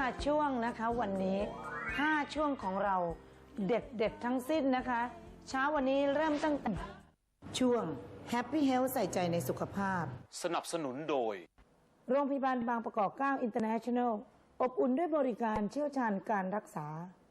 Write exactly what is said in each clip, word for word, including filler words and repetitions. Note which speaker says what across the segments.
Speaker 1: ช่วงนะคะวันนี้ห้าช่วงของเราเด็ดเด็ดทั้งสิ้นนะคะเช้าวันนี้เริ่มตั้งแต่ช่วง Happy Health ใส่ใจในสุขภาพ
Speaker 2: สนับสนุนโดย
Speaker 1: โรงพยาบาลบางประกอบเกล้า International อบอุ่นด้วยบริการเชี่ยวชาญการรักษา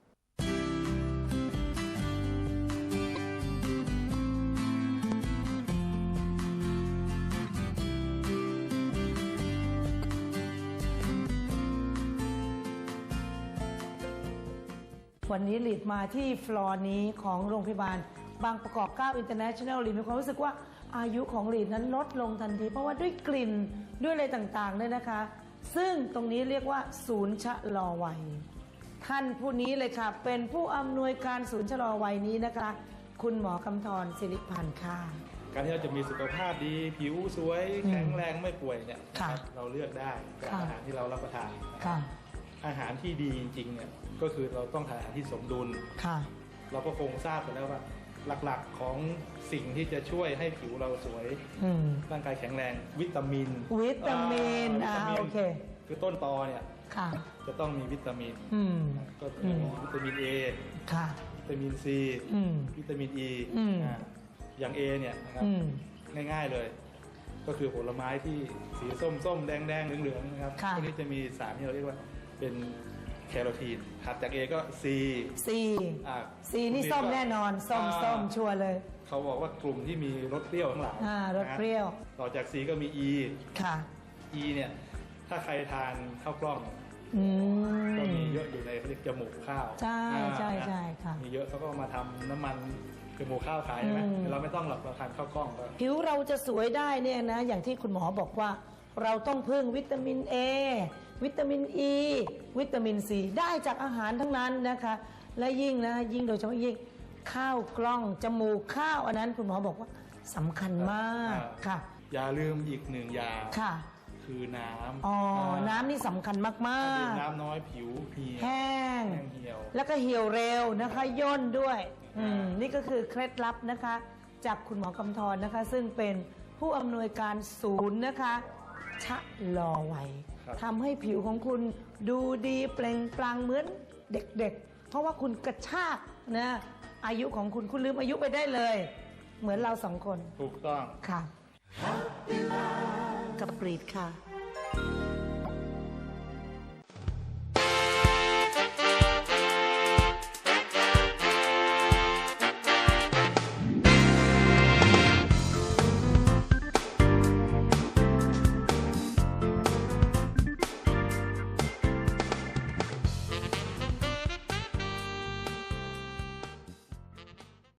Speaker 1: วันนี้ลีดมาที่ฟลอร์นี้ของโรงพยาบาลบางประกอบเกล้า International ลีดมีความรู้สึกว่าอายุของลีดนั้นลดลงทันทีเพราะว่าด้วยกลิ่นด้วยอะไรต่างๆเลยนะคะซึ่งตรงนี้เรียกว่าศูนย์ชะลอวัยท่านผู้นี้เลยค่ะเป็นผู้อำนวยการศูนย์ชะลอวัยนี้นะคะคุณหมอกำธรศิริพันธ์ค่ะ
Speaker 3: การที่เราจะมีสุขภาพดีผิวสวยแข็งแรงไม่ป่วยเนี่ยเราเลือกได้จากอาหารที่เรารับประทานอาหารที่ดีจริงๆเนี่ยก็คือเราต้องทานอาหารที่สมดุลเราก็คงทราบกันแล้วว่าหลักๆของสิ่งที่จะช่วยให้ผิวเราสวยร่างกายแข็งแรงวิตามิน
Speaker 1: วิตามินอ่าโอเค
Speaker 3: คือต้นตอเนี่ยจะต้องมีวิตามินก็คือวิตามิน A วิตามิน C วิตามิน E อย่าง A เนี่ยนะครับง่ายๆเลยก็คือผลไม้ที่สีส้มๆแดงๆเหลืองๆนะครับพวกนี้จะมีสารที่เราเรียกว่าเป็นแคโรทีนถัดจาก A ก็ C
Speaker 1: C C นี่ส้มแน่นอนส้มส้มชัวร์เลย
Speaker 3: เขาบอกว่ากลุ่มที่มีรสเปรี้ยวทั้งหลาย
Speaker 1: รสเปรี้ยว
Speaker 3: ต่อจาก C ก็มี E
Speaker 1: ค่ะ
Speaker 3: E เนี่ยถ้าใครทานข้าวกล้องก็มีเยอะอยู่ในเขาเรียกจมูกข้าว
Speaker 1: ใช่ใช่ใช่ค่ะ
Speaker 3: มีเยอะเขาก็มาทำน้ำมันจมูกข้าวขายใช่ไหมเราไม่ต้องหรอกเราทานข้าวกล้องก็
Speaker 1: ผิวเราจะสวยได้เนี่ยนะอย่างที่คุณหมอบอกว่าเราต้องพึ่งวิตามิน A วิตามิน E วิตามิน C ได้จากอาหารทั้งนั้นนะคะและยิ่งนะยิ่งโดยเฉพาะยิ่งข้าวกล้องจมูกข้าวอันนั้นคุณหมอบอกว่าสำคัญมากค่ะ
Speaker 3: อย่าลืมอีกหนึ่งอย่าง
Speaker 1: ค่ะ
Speaker 3: คือน้ำ
Speaker 1: อ๋อน้ำนี่สำคัญมากมาก
Speaker 3: น้ำน้อยผิวเหี่ยว
Speaker 1: แห้ง
Speaker 3: เหี่ยว
Speaker 1: แล้วก็เหี่ยวเร็วนะคะย่นด้วยอืมนี่ก็คือเคล็ดลับนะคะจากคุณหมอกำธรนะคะซึ่งเป็นผู้อำนวยการศูนย์นะคะชะลอวัยทำให้ผิวของคุณดูดีเปล่งปลั่งเหมือนเด็กๆเพราะว่าคุณกระชากนะอายุของคุณคุณลืมอายุไปได้เลยเหมือนเราสองคน
Speaker 3: ถูกต้อง
Speaker 1: ค่ะกับกรีดค่ะ